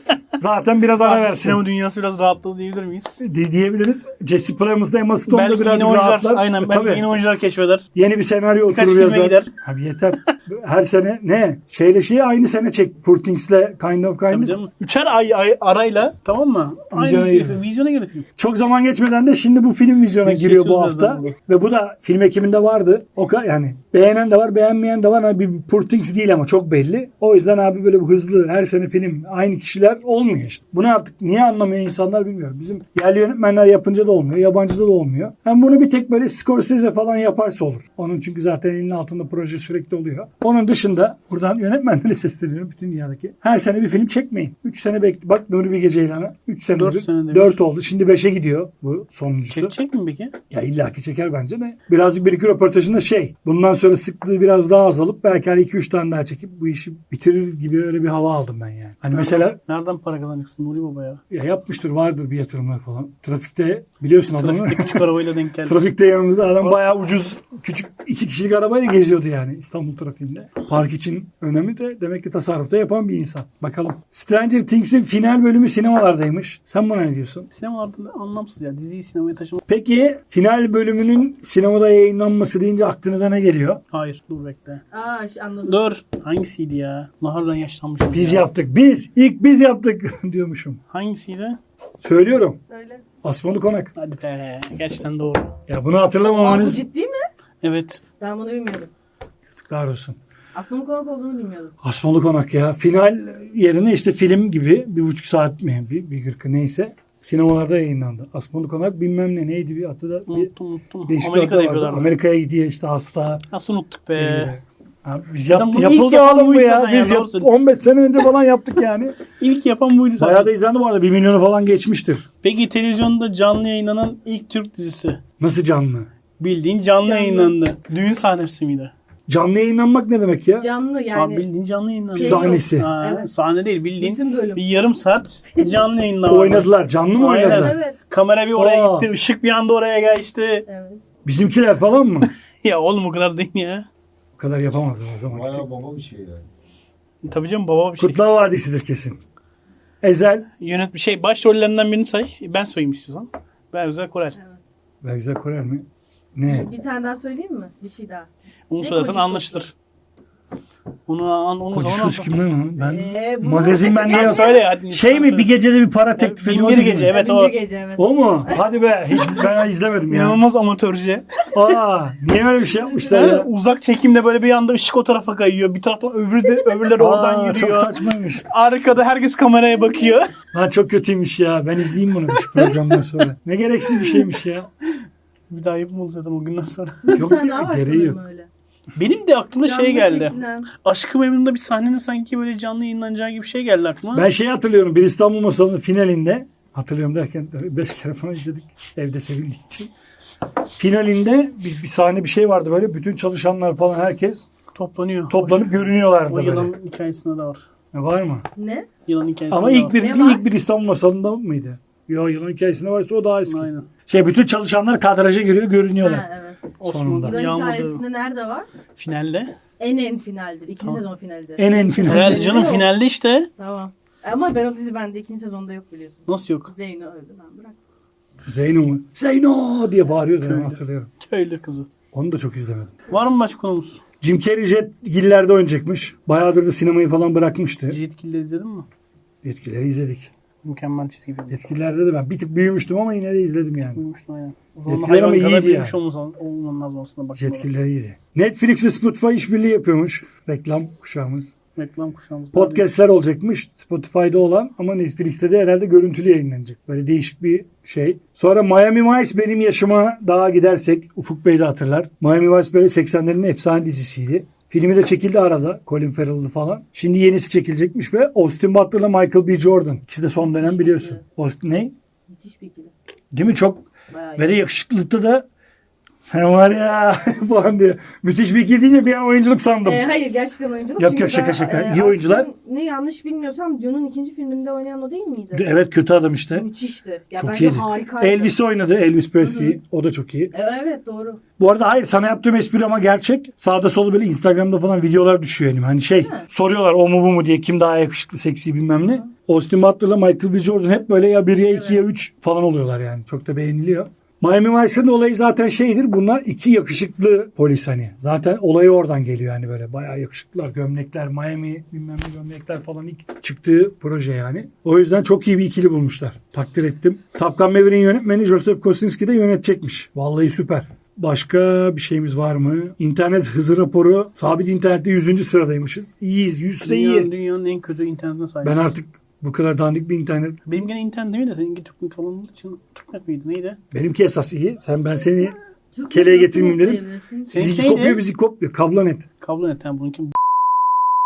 Speaker 2: Zaten biraz ara
Speaker 1: Artık
Speaker 2: versin.
Speaker 1: sinema dünyası biraz rahatladı diyebilir miyiz?
Speaker 2: Di- diyebiliriz. Jesse Plemons'da Emma Stone'da
Speaker 1: Belki
Speaker 2: biraz
Speaker 1: yeni oyuncular,
Speaker 2: rahatlar.
Speaker 1: aynen
Speaker 2: E,
Speaker 1: belki
Speaker 2: tabii.
Speaker 1: yeni oyuncular keşfeder.
Speaker 2: Yeni bir senaryo
Speaker 1: Birkaç
Speaker 2: oturur
Speaker 1: filme
Speaker 2: yazar.
Speaker 1: gider.
Speaker 2: Abi yeter. Her sene ne? Şeyle şeyi aynı sene çek. Poor Things'le Kind of
Speaker 1: Tabii
Speaker 2: Kindness.
Speaker 1: canım. Üçer ay, ay arayla tamam mı?
Speaker 2: Vizyona
Speaker 1: Aynı
Speaker 2: girdi.
Speaker 1: şey, vizyona girdi film.
Speaker 2: Çok zaman geçmeden de şimdi bu film vizyona
Speaker 1: Biz
Speaker 2: giriyor bu
Speaker 1: çekiyoruz
Speaker 2: hafta.
Speaker 1: birazdan bunu.
Speaker 2: Ve bu da film ekiminde vardı. O ka- yani beğenen de var, beğenmeyen de var. Abi bir Poor Things değil ama çok belli. O yüzden abi böyle bu hızlı her sene film aynı kişiler olmuyor işte. Bunu artık niye anlamıyor insanlar bilmiyorum. Bizim yerli yönetmenler yapınca da olmuyor, yabancıda da olmuyor. Hem bunu bir tek böyle Scorsese falan yaparsa olur. Onun çünkü zaten elinin altında proje sürekli oluyor. Onu Onun dışında buradan yönetmenlere sesleniyorum bütün dünyadaki. Her sene bir film çekmeyin. üç sene bekle. Bak Nuri Bilge Ceylan'a üç sene
Speaker 1: Dört senede bir.
Speaker 2: dört oldu. Şimdi beşe gidiyor bu sonuncusu.
Speaker 1: Çekecek mi peki?
Speaker 2: Ya illaki çeker bence de. Birazcık bir iki röportajında şey. Bundan sonra sıklığı biraz daha azalıp belki hani iki üç tane daha çekip bu işi bitirir gibi öyle bir hava aldım ben yani. Hani mesela
Speaker 1: Nereden para kazanacaksın Nuri Baba ya?
Speaker 2: ya yapmıştır vardır bir yatırımlar falan. Trafikte biliyorsun adamı.
Speaker 1: Trafikte küçük arabayla denk geldi.
Speaker 2: Trafikte yanımızda adam bayağı ucuz küçük iki kişilik arabayla geziyordu yani İstanbul trafiğinde. Park için önemli de demek ki tasarrufta yapan bir insan. Bakalım. Stranger Things'in final bölümü sinemalardaymış. Sen buna ne diyorsun?
Speaker 1: Sinemalarda anlamsız ya. Diziyi sinemaya taşımak.
Speaker 2: Peki final bölümünün sinemada yayınlanması deyince aklınıza ne geliyor?
Speaker 1: Hayır dur bekle.
Speaker 3: Aa ş- anladım.
Speaker 1: Dur. Hangisiydi ya? Nahar'dan yaşlanmışız
Speaker 2: Biz
Speaker 1: ya.
Speaker 2: yaptık. Biz. ilk biz yaptık diyormuşum.
Speaker 1: Hangisiydi?
Speaker 2: Söylüyorum.
Speaker 3: Söyle.
Speaker 2: Asmalı Konak.
Speaker 1: Hadi be. Gerçekten doğru.
Speaker 2: Ya bunu
Speaker 3: Aa, bu
Speaker 2: hatırlamamanız
Speaker 3: ciddi mi?
Speaker 1: Evet.
Speaker 3: Ben bunu bilmiyordum.
Speaker 2: yazıklar olsun.
Speaker 3: Asmanın konak olduğunu bilmiyordum.
Speaker 2: Asmalı Konak ya. Final yerine işte film gibi bir buçuk saat mi bir, bir kırkı neyse sinemalarda yayınlandı. Asmalı Konak bilmem ne neydi bir adı da bir
Speaker 1: Unuttum unuttum.
Speaker 2: değişik bir
Speaker 1: Amerika'da
Speaker 2: adı vardı.
Speaker 1: yapıyorlardı.
Speaker 2: Amerika'ya gidiyor işte hasta.
Speaker 1: Nasıl unuttuk be?
Speaker 2: Ee, abi biz
Speaker 1: Zaten
Speaker 2: yaptık,
Speaker 1: bunu ilk
Speaker 2: yapıldı
Speaker 1: yapan
Speaker 2: oğlum bu
Speaker 1: buydu
Speaker 2: ya.
Speaker 1: zaten
Speaker 2: Biz
Speaker 1: ya,
Speaker 2: yap,
Speaker 1: doğru söylüyorsun.
Speaker 2: on beş sene önce falan yaptık yani.
Speaker 1: İlk yapan buydu zaten.
Speaker 2: Bayağı da izlendi bu arada. Bir milyonu falan geçmiştir.
Speaker 1: Peki televizyonda canlı yayınlanan ilk Türk dizisi.
Speaker 2: Nasıl canlı?
Speaker 1: Bildiğin canlı,
Speaker 3: Canlı.
Speaker 1: yayınlandı. Düğün sahnesi miydi?
Speaker 2: Canlı yayınlanmak ne demek ya?
Speaker 3: Canlı
Speaker 1: Abi
Speaker 3: yani.
Speaker 1: bildiğin canlı yayınlandı.
Speaker 3: Şey
Speaker 2: Sahnesi.
Speaker 1: Ha,
Speaker 3: Evet.
Speaker 1: Sahne değil bildiğin
Speaker 3: Bütün bölüm.
Speaker 1: bir yarım saat canlı yayınlama.
Speaker 2: Oynadılar. Canlı mı
Speaker 1: Aynen.
Speaker 2: oynadılar?
Speaker 3: Evet.
Speaker 1: Kamera bir oraya
Speaker 2: Aa.
Speaker 1: gitti. Işık bir anda oraya geçti.
Speaker 3: Evet.
Speaker 2: Bizimkiler falan mı?
Speaker 1: Ya oğlum o kadar değil ya.
Speaker 2: Bu kadar yapamazlar o zaman.
Speaker 4: Bayağı baba bir şey yani.
Speaker 1: Tabii canım baba bir şey.
Speaker 2: Kurtlar Vadisi'dir kesin. Ezel.
Speaker 1: Yönet bir şey başrollerinden birini say. Ben sayayım istiyorsan. Ben Güzel Korel.
Speaker 3: Evet.
Speaker 2: Ben Güzel Korel mi? Ne?
Speaker 3: Bir tane daha söyleyeyim mi? Bir şey daha.
Speaker 1: Onu
Speaker 3: Ne
Speaker 1: söylersen
Speaker 3: kocası?
Speaker 1: anlaşılır. Onu an onu
Speaker 2: Koca
Speaker 1: zaman
Speaker 2: Kuş kimden mi? Ben
Speaker 3: Ee, bu-
Speaker 2: magazin ben
Speaker 1: Tamam,
Speaker 2: ne
Speaker 1: söyle hadi.
Speaker 2: Şey mi bir gecede bir para teklif ediyor.
Speaker 1: Bin
Speaker 2: o
Speaker 1: bir
Speaker 2: dizi mi?
Speaker 1: gece, evet.
Speaker 3: Bin
Speaker 1: o.
Speaker 3: bir gece evet.
Speaker 2: O mu? Hadi be. Hiç ben izlemedim ya.
Speaker 1: İnanılmaz amatörce.
Speaker 2: Aa, niye öyle bir şey yapmışlar ya?
Speaker 1: Uzak çekimle böyle bir anda ışık o tarafa kayıyor. Bir taraftan öbürü de öbürleri oradan
Speaker 2: Aa,
Speaker 1: yürüyor.
Speaker 2: çok saçmaymış.
Speaker 1: Arkada herkes kameraya bakıyor.
Speaker 2: Lan çok kötüymüş ya. Ben izleyeyim bunu şu programdan sonra. Ne gereksiz bir şeymiş ya.
Speaker 1: Bir daha yapım zaten o günden sonra.
Speaker 3: Bir
Speaker 2: Yok
Speaker 3: tane daha var
Speaker 2: gereği yok.
Speaker 3: sanırım öyle.
Speaker 1: Benim de aklımda şey
Speaker 3: Canlı
Speaker 1: geldi.
Speaker 3: çekilen.
Speaker 1: Aşk-ı Memnun'da bir sahnenin sanki böyle canlı yayınlanacağı gibi bir şey geldi aklıma.
Speaker 2: Ben şeyi hatırlıyorum. Bir İstanbul Masalı'nın finalinde hatırlıyorum derken tabii beş kere falan izledik. Evde sevildiği için. Finalinde bir, bir sahne bir şey vardı böyle. Bütün çalışanlar falan herkes
Speaker 1: Toplanıyor.
Speaker 2: toplanıp
Speaker 1: O
Speaker 2: görünüyorlardı böyle.
Speaker 1: yılan hikayesinde de var.
Speaker 2: Var mı?
Speaker 3: Ne?
Speaker 1: Yılan hikayesinde
Speaker 2: Ama
Speaker 1: de
Speaker 2: ilk
Speaker 1: var.
Speaker 2: bir
Speaker 3: Ne var?
Speaker 2: ilk bir İstanbul Masalı'nda mıydı? Yo yılan hikayesinde varsa o daha eski.
Speaker 1: Aynen.
Speaker 2: Şey bütün çalışanlar kadraja giriyor görünüyorlar.
Speaker 3: Ha, evet.
Speaker 2: Sonunda.
Speaker 1: Osman
Speaker 3: Yılan
Speaker 1: Yağmur'da
Speaker 3: hikayesinde nerede var?
Speaker 1: finalde.
Speaker 3: En en finaldir. İkinci
Speaker 1: Tamam.
Speaker 3: sezon finaldir.
Speaker 2: En en final.
Speaker 1: Herhalde canım
Speaker 3: Yok.
Speaker 1: finalde işte.
Speaker 3: Tamam. Ama ben o dizi bende ikinci sezonda yok biliyorsun.
Speaker 1: Nasıl yok?
Speaker 3: Zeyno öldü ben bıraktım.
Speaker 2: Zeyno mu? Zeyno diye bağırıyordu ben
Speaker 1: Köylü.
Speaker 2: hatırlıyorum.
Speaker 1: Köylü kızı.
Speaker 2: Onu da çok izlemedim.
Speaker 1: Var mı başka konumuz?
Speaker 2: Jim Carrey Jetgiller'de oynayacakmış. Bayağıdır da sinemayı falan bırakmıştı.
Speaker 1: Yetkilileri izledin mi?
Speaker 2: Jetgiller'i izledik.
Speaker 1: Mükemmel çizgi film.
Speaker 2: Yetkililerde de ben bir tık büyümüştüm ama yine de izledim yani.
Speaker 1: Duymuştum aynen. O
Speaker 2: Yetkiler
Speaker 1: zaman hayvan
Speaker 2: ama
Speaker 1: kadar
Speaker 2: iyiydi
Speaker 1: büyümüş
Speaker 2: ya.
Speaker 1: olman, olman lazım aslında. Bak,
Speaker 2: Jetgiller iyiydi. Netflix ve Spotify işbirliği yapıyormuş. Reklam kuşağımız.
Speaker 1: reklam kuşağımız.
Speaker 2: Podcast'ler olacakmış. Spotify'da olan ama Netflix'te de herhalde görüntülü yayınlanacak. Böyle değişik bir şey. Sonra Miami Vice benim yaşıma daha gidersek Ufuk Bey de hatırlar. Miami Vice böyle seksenlerin efsane dizisiydi. Filmi de çekildi arada. Colin Farrell'lı falan. Şimdi yenisi çekilecekmiş ve Austin Butler'la Michael B. Jordan. İkisi de son dönem biliyorsun. Austin ne?
Speaker 3: Müthiş bir ikili.
Speaker 2: Değil mi? Çok
Speaker 3: Bayağı
Speaker 2: ve de
Speaker 3: iyi.
Speaker 2: yakışıklılıkta da sen var ya falan diyor. Müthiş bir ikili deyince bir an oyunculuk sandım.
Speaker 3: Ee, hayır gerçekten oyunculuk.
Speaker 2: Yok,
Speaker 3: Çünkü
Speaker 2: yok, şaka,
Speaker 3: ben,
Speaker 2: şaka.
Speaker 3: e,
Speaker 2: İyi oyuncular.
Speaker 3: Austin, ne yanlış bilmiyorsam Dune'un ikinci filminde oynayan o değil miydi?
Speaker 2: Evet kötü adam işte.
Speaker 3: Müthişti. Ya
Speaker 2: Çok
Speaker 3: bence
Speaker 2: iyiydi.
Speaker 3: harikaydı.
Speaker 2: Elvis oynadı. Elvis Presley. O da çok iyi.
Speaker 3: E, evet doğru.
Speaker 2: Bu arada hayır sana yaptığım espri ama gerçek. Sağda solda böyle Instagram'da falan videolar düşüyor benim. Hani şey
Speaker 3: mi?
Speaker 2: soruyorlar o mu bu mu diye kim daha yakışıklı seksi bilmem ne. Austin Butler'la Michael B. Jordan hep böyle ya bir ya iki ya üç falan oluyorlar yani. Çok da beğeniliyor. Miami Vice'ın olayı zaten şeydir. Bunlar iki yakışıklı polis hani. Zaten olayı oradan geliyor yani böyle. Bayağı yakışıklılar, gömlekler, Miami bilmem ne gömlekler falan ilk çıktığı proje yani. O yüzden çok iyi bir ikili bulmuşlar. Takdir ettim. Top Gun Maverick'in yönetmeni Joseph Kosinski de yönetecekmiş. Vallahi süper. Başka bir şeyimiz var mı? İnternet hızı raporu. Sabit internette yüzüncü sıradaymışız. İyiyiz. yüzse iyi.
Speaker 1: Dünyanın, dünyanın en kötü internetine sahibiz.
Speaker 2: Ben artık bu kadar dandik bir internet.
Speaker 1: Benim gene internet değil mi de seninki Türknet falan olduğu için Türknet miydi neydi?
Speaker 2: Benimki esas iyi. Sen ben seni
Speaker 3: Türk
Speaker 2: Keleğe
Speaker 3: nasıl
Speaker 2: getirmeyeyim dedim.
Speaker 3: okuyabilirsin?
Speaker 1: Seninki
Speaker 2: sizi
Speaker 1: neydi?
Speaker 2: kopuyor bizi kopuyor. Kablonet.
Speaker 1: Kablo net yani bununki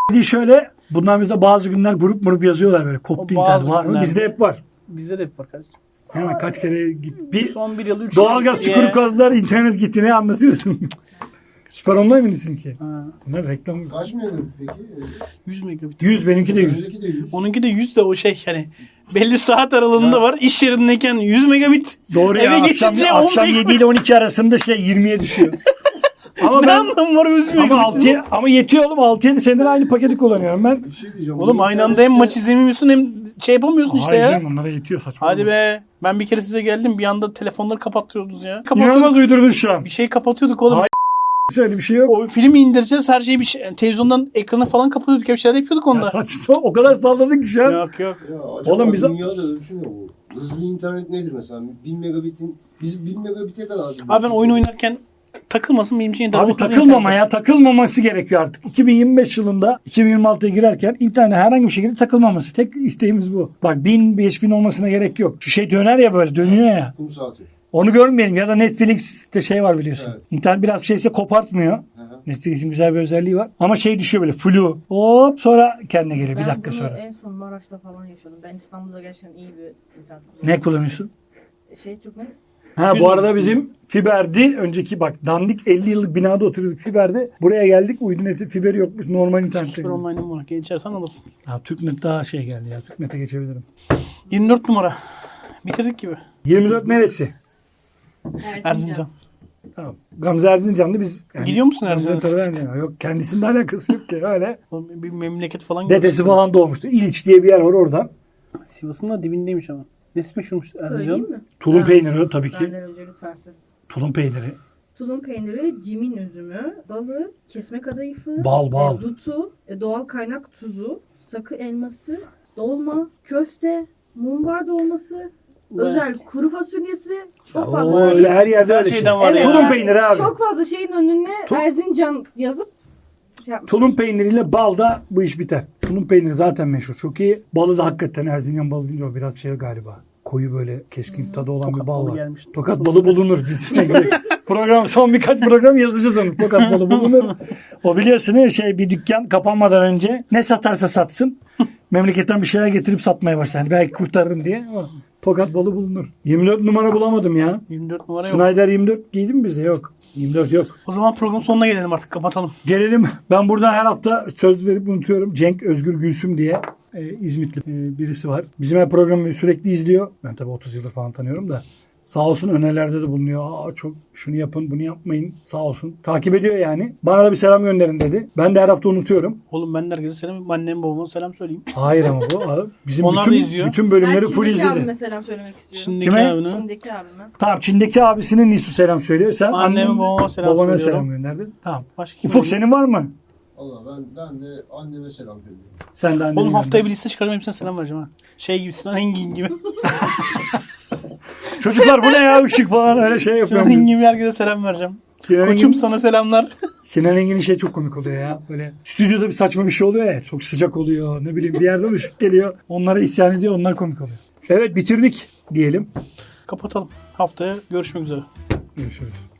Speaker 2: Bir şöyle bundan bizde bazı günler grup murup yazıyorlar böyle. Koptu
Speaker 1: O bazı
Speaker 2: internet var mı?
Speaker 1: günlerde.
Speaker 2: Bizde hep var.
Speaker 1: Bizde de hep var kardeşim.
Speaker 2: Hemen kaç kere git. Bir
Speaker 1: Son bir yıl üç
Speaker 2: doğalgaz
Speaker 1: yıl
Speaker 2: çukuru
Speaker 1: diye-
Speaker 2: kazdılar, internet gitti, ne anlatıyorsun? Süper online mi sizinki?
Speaker 1: Ha,
Speaker 2: Bunlar reklam.
Speaker 4: Kaç megabit peki?
Speaker 1: yüz megabit.
Speaker 2: yüz, benimki de yüz.
Speaker 4: Öndeki de yüz.
Speaker 1: Onunki de yüz de o şey hani belli saat aralığında var. İş yerindeyken yüz megabit.
Speaker 2: Doğru ya,
Speaker 1: Eve
Speaker 2: akşam,
Speaker 1: geçince
Speaker 2: akşam
Speaker 1: on
Speaker 2: yedi ile on iki arasında şey yirmiye düşüyor. Ama
Speaker 1: Ne
Speaker 2: ben
Speaker 1: anlamı var yüz
Speaker 2: ama
Speaker 1: megabitin?
Speaker 2: altıya ama yetiyor oğlum, altı yedi senedir aynı paketi kullanıyorum ben.
Speaker 4: Bir şey diyeceğim.
Speaker 1: Oğlum
Speaker 4: bu
Speaker 1: aynı anda hem
Speaker 4: internette-
Speaker 1: maç izlemiyorsun hem şey yapamıyorsun işte
Speaker 2: Hayır
Speaker 1: ya.
Speaker 2: canım, onlara yetiyor saçma.
Speaker 1: Hadi be. Ben bir kere size geldim bir anda telefonları kapatıyordunuz ya. Kapatıyorduk.
Speaker 2: İnanılmaz uydurdun şu an.
Speaker 1: Bir şey kapatıyorduk oğlum.
Speaker 2: Hayır. Öyle bir şey yok.
Speaker 1: O filmi indireceğiz her şeyi bir şey, televizyondan ekranı falan kapatıyorduk. Hep şeyler yapıyorduk
Speaker 2: Ya
Speaker 1: onda.
Speaker 2: saçma, o kadar salladın ki şu an.
Speaker 1: Yok yok.
Speaker 4: Ya acaba
Speaker 2: Oğlum biz-
Speaker 4: dünyada ölçü ne bu? Hızlı internet nedir mesela? bin megabitin biz bin megabite kadar az.
Speaker 1: Abi ben oyun oynarken takılmasın benim için.
Speaker 2: Abi takılmama ya, takılmaması gerekiyor artık. iki bin yirmi beş yılında iki bin yirmi altıya girerken internete herhangi bir şekilde takılmaması. Tek isteğimiz bu. Bak bin, beş bin olmasına gerek yok. Şu şey döner ya, böyle dönüyor ya.
Speaker 4: Kum saati.
Speaker 2: Onu görmeyelim ya da Netflix'te şey var biliyorsun.
Speaker 4: Evet.
Speaker 2: İnternet biraz şeyse kopartmıyor.
Speaker 4: Hı hı.
Speaker 2: Netflix'in güzel bir özelliği var. Ama şey düşüyor böyle flu. Hop sonra kendine geliyor bir
Speaker 3: Ben
Speaker 2: dakika
Speaker 3: bunu
Speaker 2: sonra.
Speaker 3: en son Maraş'ta falan yaşadım. Ben İstanbul'da gerçekten iyi bir internet
Speaker 2: Ne kullanıyorsun?
Speaker 3: Şey çok net.
Speaker 2: Ha
Speaker 1: Yüz
Speaker 2: bu
Speaker 1: mü?
Speaker 2: arada bizim fiberdi. Önceki bak dandik elli yıllık binada oturuyorduk fiberdi. Buraya geldik, uydu neti fiberi yokmuş, normal internet.
Speaker 1: Süper online'ım var. Geçersen alırsın.
Speaker 2: Ya Türknet daha şey geldi ya. Türknet'e geçebilirim.
Speaker 1: yirmi dört numara. Bitirdik gibi.
Speaker 2: yirmi dört neresi?
Speaker 1: Erzincan.
Speaker 2: Tamam. Gamze Erzincan'da biz... yani-
Speaker 1: Gidiyor musun
Speaker 2: Gamze
Speaker 1: Erzincan'a?
Speaker 2: tabii Erzincan'a. Yok, kendisinin alakası yok ki öyle.
Speaker 1: Oğlum Bir memleket falan
Speaker 2: Dedesi
Speaker 1: görmüştüm.
Speaker 2: falan doğmuştu. İliç diye bir yer var oradan.
Speaker 1: Sivas'ın da dibindeymiş ama. Nesi meşhurmuş
Speaker 3: Söyleyeyim
Speaker 1: Erzincan?
Speaker 3: mi?
Speaker 2: Tulum
Speaker 3: Ha.
Speaker 2: peyniri tabii ki.
Speaker 3: Benden önce lütfen siz.
Speaker 2: Tulum peyniri.
Speaker 3: Tulum peyniri, cimin üzümü, balı, kesme kadayıfı,
Speaker 2: Bal, bal.
Speaker 3: e, dutu, e, doğal kaynak tuzu, sakı elması, dolma, köfte, mumbar dolması,
Speaker 1: Ve-
Speaker 3: özel kuru fasulyesi, çok
Speaker 2: Oo,
Speaker 3: fazla
Speaker 2: öyle her yerde
Speaker 1: Her
Speaker 2: öyle şey.
Speaker 1: şeyden var
Speaker 3: Evet.
Speaker 1: ya.
Speaker 2: Tulum peyniri abi.
Speaker 3: çok fazla şeyin önüne
Speaker 2: Tu-
Speaker 3: Erzincan yazıp şey yapmış.
Speaker 2: Tulum peyniriyle bal da bu iş biter. Tulum peyniri zaten meşhur. Çok iyi. Balı da hakikaten Erzincan balı deyince o biraz şey galiba. Koyu böyle keskin tadı olan
Speaker 1: Tokat
Speaker 2: bir bal
Speaker 1: balı
Speaker 2: var.
Speaker 1: gelmiş.
Speaker 2: Tokat balı bulunur. Biz program son birkaç program yazacağız onu. Tokat balı bulunur. O biliyorsun ya, şey bir dükkan kapanmadan önce ne satarsa satsın. Memleketten bir şeyler getirip satmaya başlar. Yani belki kurtarırım diye. Ama Tokat balı bulunur. yirmi dört numara bulamadım ya.
Speaker 1: yirmi dört numara yok.
Speaker 2: Snyder yirmi dört giydi mi bize? Yok. yirmi dört yok.
Speaker 1: O zaman programın sonuna gelelim artık. Kapatalım.
Speaker 2: Gelelim. Ben buradan her hafta söz verip unutuyorum. Cenk Özgür Gülsüm diye e, İzmitli e, birisi var. Bizim her programı sürekli izliyor. Ben tabii otuz yıldır falan tanıyorum da. Sağ olsun önerilerde de bulunuyor. Aa, çok şunu yapın, bunu yapmayın. Sağ olsun. Takip ediyor yani. Bana da bir selam gönderin dedi. Ben de her hafta unutuyorum.
Speaker 1: Oğlum ben de herkese selam. Anneme babama selam söyleyeyim.
Speaker 2: Hayır ama bu. Abi, bizim
Speaker 1: Onlar
Speaker 2: bütün,
Speaker 1: da izliyor.
Speaker 2: bütün bölümleri
Speaker 3: Ben
Speaker 2: full
Speaker 3: Çin'deki
Speaker 2: izledi.
Speaker 3: abime selam söylemek istiyorum.
Speaker 1: Şimdiki
Speaker 2: Kime?
Speaker 1: abine.
Speaker 3: Çin'deki abime.
Speaker 2: Tamam, Çin'deki abisinin Nisu selam söylüyor. Sen
Speaker 1: Anneme,
Speaker 2: annen,
Speaker 1: babama selam
Speaker 2: babana
Speaker 1: söylüyorum.
Speaker 2: selam gönderdin. Tamam.
Speaker 1: Başka kim
Speaker 2: Ufuk
Speaker 1: var?
Speaker 2: senin var mı?
Speaker 4: Valla ben, ben de anneme selam söylüyorum.
Speaker 2: Sen de annene
Speaker 1: Oğlum haftaya
Speaker 2: gönder.
Speaker 1: bir liste çıkarım hepsine selam vereceğim ha. Şey gibi Sinan Engin gibi.
Speaker 2: Çocuklar bu ne ya, ışık falan öyle şey
Speaker 1: Sinan
Speaker 2: yapıyorum.
Speaker 1: Engin gibi herkese selam vereceğim.
Speaker 2: Sinan
Speaker 1: Koçum
Speaker 2: Engin-
Speaker 1: sana selamlar.
Speaker 2: Sinan Engin'in şey çok komik oluyor ya. Böyle stüdyoda bir saçma bir şey oluyor ya. Çok sıcak oluyor. Ne bileyim bir yerden ışık geliyor. Onlara isyan ediyor. Onlar komik oluyor. Evet, bitirdik diyelim.
Speaker 1: Kapatalım. Haftaya görüşmek üzere.
Speaker 2: Görüşürüz.